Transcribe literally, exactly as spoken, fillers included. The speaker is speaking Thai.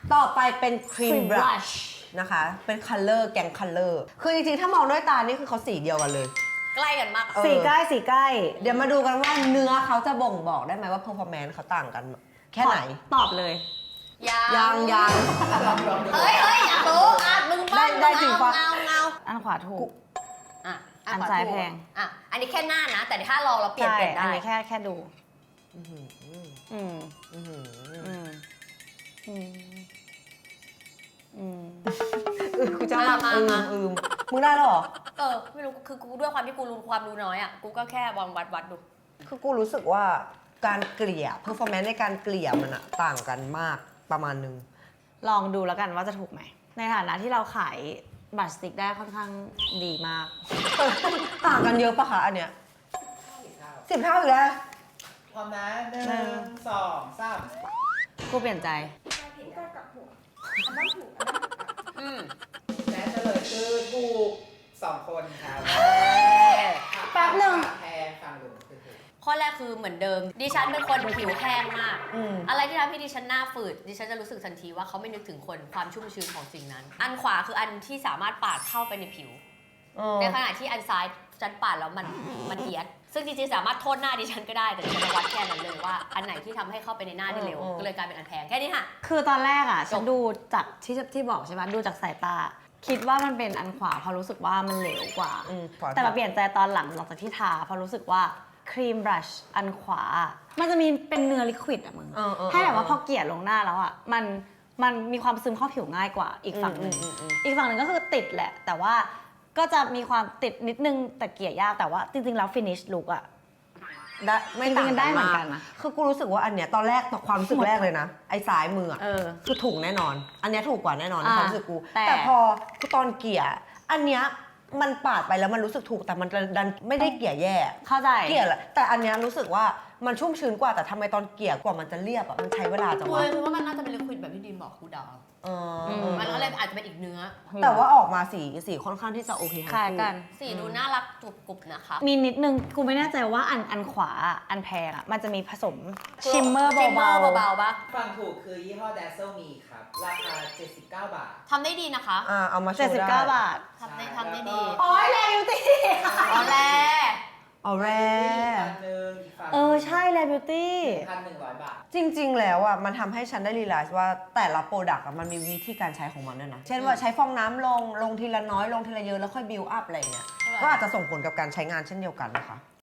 ต่อไปเป็นครีม Cream บลัช blush นะคะเป็นคัลเลอร์แกงคัลเลอร์คือจริงๆถ้ามองด้วยตานี่คือเขาสีเดียวกันเลยใกล้กันมากเออสีใกล้สีใกล้เดี๋ยวมาดูกันว่าเนื้อเขาจะบ่งบอกได้ไหมว่าเพอร์ฟอร์แมนซ์เขาต่างกันแค่ไหนตอบเลยยังยังเฮ้ยเฮ้ยอยากรู้อ่ะมึงบ้างได้ได้จริงปะเงาเงาอันขวาถูกอ่ะอันซ้ายแพงอ่ะอันนี้แค่หน้านะ แต่ถ้าลองเราเปลี่ยนใช่เปลี่ยนอันได้นี้แค่แค่ดูอื้อหืออืมอื้อหืออืม อืม อืมเออกูจะมาอืมอืมมึงได้แล้วเหรอเออไม่รู้คือกูด้วยความที่กูรู้ความรู้น้อยอ่ะกูก็แค่วางวัดวัดดูคือกูรู้สึกว่าการเกลี่ยเพอร์ฟอร์แมนซ์ในการเกลี่ยมันอะต่างกันมากประมาณนึงลองดูแล้วกันว่าจะถูกไหม ในฐานะที่เราขายบัตรสติ๊กได้ค่อนข้างดีมากต่างกันเยอะปะคะอันเนี้ยสิบเท่าอีกแล้วพร้อมนะหนึ่งสองสามกูเปลี่ยนใจอืมและเฉลยคือถูกสองคนครับแป๊บหนึ่งแพงฟังดูคือถูกข้อแรกคือเหมือนเดิม ดิฉันเป็นคนผิวแห้งมากอืมอะไรที่ทำให้ดิฉันหน้าฝืด ดิฉันจะรู้สึกทันทีว่าเขาไม่นึกถึงคนความชุ่มชื้นของสิ่งนั้น อันขวาคืออันที่สามารถปาดเข้าไปในผิวเออในขณะที่อันซ้ายฉันปาดแล้วมันมันเอียด ซึ่งจริงๆสามารถโทษหน้าดิฉันก็ได้ แต่ดิฉันจะวัดแค่นั้นเลยว่าอันไหนที่ทำให้เข้าไปในหน้าได้เร็ว ก็เลยกลายเป็นอันแพงแค่นี้ค่ะคือตอนแรกอ่ะจบฉันดูจากที่ที่บอกใช่ไหมดูจากสายตา คิดว่ามันเป็นอันขวาเพราะรู้สึกว่ามันเหลวกว่าอืมขวาแต่มาเปลี่ยนใจตอนหลังหลังจากที่ทาเพราะรู้สึกว่าครีมบลัชอันขวา มันจะมีเป็นเนื้อลิควิดอะมึงเออเออให้แบบว่าพอเกลี่ยลงหน้าแล้วอ่ะมันมันมีความซึมเข้าผิวง่ายกว่าอีกฝั่งหนึ่งอืมอืมอืมอีกฝั่งหนึ่งก็คือติดแหละ แต่ว่าก็จะมีความติดนิดนึงแต่เกลี่ยยากแต่ว่าจริงๆแล้วฟินิชลุกอ่ะได้ไม่ต่างจริงๆได้เหมือนกันนะคือกูรู้สึกว่าอันเนี้ยตอนแรกต่อความรู้สึกแรกเลยนะ ไอ้ซ้ายมืออะเออคือถูกแน่นอน อันเนี้ยถูกกว่าแน่นอนในอ่าความรู้สึกกูแต่แต่พอกูตอนเกลี่ยอันเนี้ยมันปาดไปแล้วมันรู้สึกถูกแต่มันดันไม่ได้เกลี่ยแย่เข้าใจเกลี่ยแหละแต่อันเนี้ยรู้สึกว่ามันชุ่มชื้นกว่าแต่ทำไมตอนเกลี่ยกว่ามันจะเรียบอะมันใช้เวลาจังกูวะเลยคิดว่ามันน่าจะเป็นลิควิดแบบที่ดีมบอกคูดาวเออมมันก็เลยอาจจะเป็นอีกเนื้อแต่ว่าออกมาสีสีค่อนข้างที่จะโอเคทั้งคล้ายคู่กันสีดูน่ารักจุบกรุบนะคะมีนิดนึงกูไม่แน่ใจว่าอันอันขวาอันแพงอ่ะมันจะมีผสมชิมเมอร์ชิมเมอเบาร์เบาๆปะฟังถูกคือยี่ห้อ Dazzle Me ครับ ราคา เจ็ดสิบเก้า บาททำได้ดีนะคะอ่าเอามาๆโชเจ็ดว์สิบได้เก้าบาททำได้ทำได้ดีแล้วก็โอ้ยแรงอยู่ตีอ๋อแลออแรอีกอันหนึ่งอีกฝั่งเออใช่แลบิวตี้พันหนึ่งร้อยบาทจริง ๆ แล้วอ่ะมันทำให้ฉันได้รีไลซ์ว่าแต่ละโปรดักต์มันมีวิธีการใช้ของมันด้วยนะ เช่นว่าใช้ฟองน้ำลงลงทีละน้อยลงทีละเยอะแล้วค่อยบิวอัพอะไรเงี้ยก็อาจจะส่งผลกับการใช้งานเช่นเดียวกันนะคะ